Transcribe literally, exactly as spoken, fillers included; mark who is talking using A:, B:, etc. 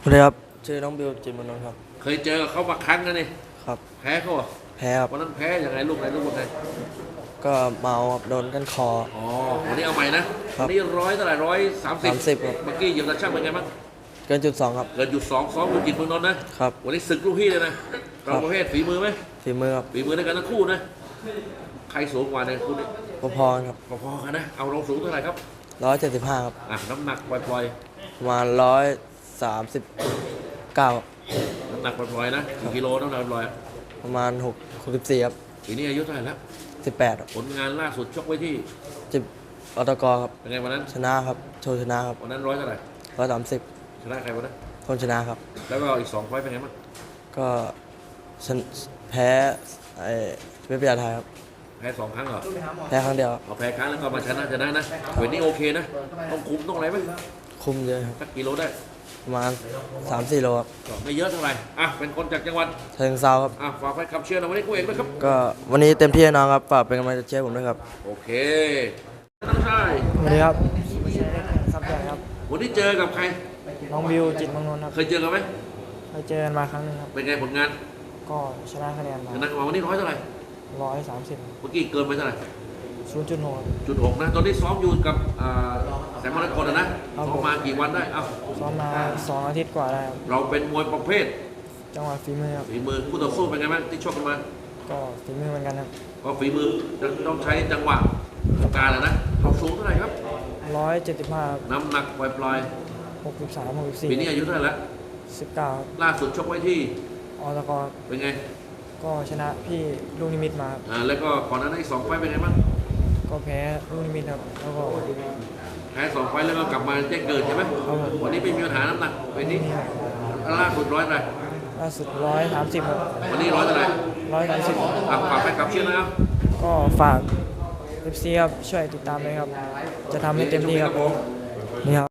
A: สวัสดีครับชื่อน้องบิวจิตรมนนท์ครับ
B: เคยเจอกับเขามาครั้งนะนี่
A: ครับ
B: แพ้เขาเหรอ
A: แพ้ครับ
B: วันนั้นแพ้ยังไงลูกไหนลูกคนไหน
A: ก็เมาครับโดนกันคอ
B: อ๋อวันนี้เอาใหม่นะ
A: ครั
B: วั
A: บ
B: นนี้ร้อยเท่าไหร่ร้อยสามสิบ
A: สามสิบครับ
B: เมื่อกี้เหยียบตะช่างเป็นไงบ้าง
A: เกินจุดสองครับ
B: เกินหยุดสองซ้อมอยู่จิตเมืองนนท์นะครับวันนี้ศึกลูกพี่เลยนะเราประเภทฝีมือไหม
A: ฝีมือครับ
B: ฝีมือในการทั้งคู่นะใครสูงกว่าในคู่นี้
A: พอๆครับ
B: พอๆกันนะเอาเราสูงเท่าไหร่ครับ
A: ร้อยเจ็ดสิบห้าครับ
B: อ่ะน้ำหนักปล่อย
A: ประมาณร้อยสามสิบเก้า
B: ๆน้ำหนักปล่อยๆนะกี่กิโลน้ำหนักปล่อย
A: ประมาณหกหกสิบสี่ครับ
B: ปีนี้อายุเท่าไหร่แล้ว
A: สิบแปด
B: ผลงานล่าสุดชกไว้ที่
A: จิบอตกครับ
B: เป็นไงวันนั้น
A: ชนะครับโชว์ชนะครับ
B: วันนั้นร้อยเท่าไหร่
A: ร้อยสามสิบ
B: ชนะใครวันนั้น
A: คนชนะครับ
B: แล้วก็อีกสองไฟต์เป็นไงบ้าง
A: ก็ชนแพ้ไอ้เวทยาไทยครับ
B: แพ้สองครั้งเหรอ
A: แพ้ครั้งเดียว
B: เอาแพ้ครั้งแล้วก็มาชนะชนะนะเวทนี้โอเคนะต้องคุมต้องอะไรไหม
A: คุมเยอะครับ
B: สักกิโลได้
A: ประมาณสามสี่โลครับ
B: ก็ไม่เยอะเท่าไหร่อ่ะเป็นคนจากจังหวัด
A: เชิงเซาครับ
B: อ่ะฝากไว้คำเชื่อนะวันนี้กูเองนะครับ
A: ก็วันนี้เต็มที่แน่นอนครับฝากเป็นกำลังใจเชียร์ผมด้วยครับ
B: โอเคน้องชาย
A: สวัสดีครับซับใหญ่ครับ
B: วันนี้เจอกับใคร
A: น้องบิวจิตรมนนท์ครับ
B: เคยเจอกันไหม
A: เคยเจอกันมาครั้งนึงครับ
B: เป็นไงผลงาน
A: ก็ชนะคะแนนมา
B: ชนะมาวันนี้ร้อยเท่าไหร่
A: ร้อยสามสิบ
B: เมื่อกี้เกินไปเท่าไหร่
A: ศูนย์จุดหก
B: จุดหกนะตอนนี้ซ้อมอยู่กับแสงมรกตนะซ้อมมากี่วันได้เอ้า
A: ซ้อมมาสองอาทิตย์กว่าได้ครับ
B: เราเป็นมวยประเภท
A: จังหวะฝีมือครับ
B: ฝีมือคู่ต่อสู้เป็นไงบ้างที่ชกกันมา
A: ก็ฝีมือเหมือนกันครับ
B: ก็ฝีมือต้องใช้จังหวะการนะเราสูงเท่าไหร่ครับ
A: ร้อยเจ็ดสิบห้า
B: น้ำหนักปล่อย
A: ๆหกสิบสามหกสิบสี่
B: ปีนี้อายุเท่าไหร่แล้ว
A: สิบเก้า
B: ล่าสุดชกไว้ที่
A: อตก
B: เป็นไง
A: ก็ชนะพี่ลูกนิมิตมา
B: อ่าแล้วก็ก่อนหน้านั้นอีกสองไฟเป็นไงบ้าง
A: ก็แพ้ลูกนิมิตครับแล้วก็
B: แพ้สองไฟแล้วก็กลับมาแจ้งเกิดใช่ไหมวันนี้ไม่มีปัญหาน้ำหนักวันนี้ล่าสุดร้อยอะไร
A: ล่าสุดร้อยสามสิบครับ
B: วันนี้ร้อยเท่าไหร่
A: ร้อยสามสิบ
B: อ่ะฝากแฟนคลับเชียร์นะครับ
A: ก็ฝากเอฟซีครับช่วยติดตามเลยครับจะทำให้เต็มที่ครับนี่ครับ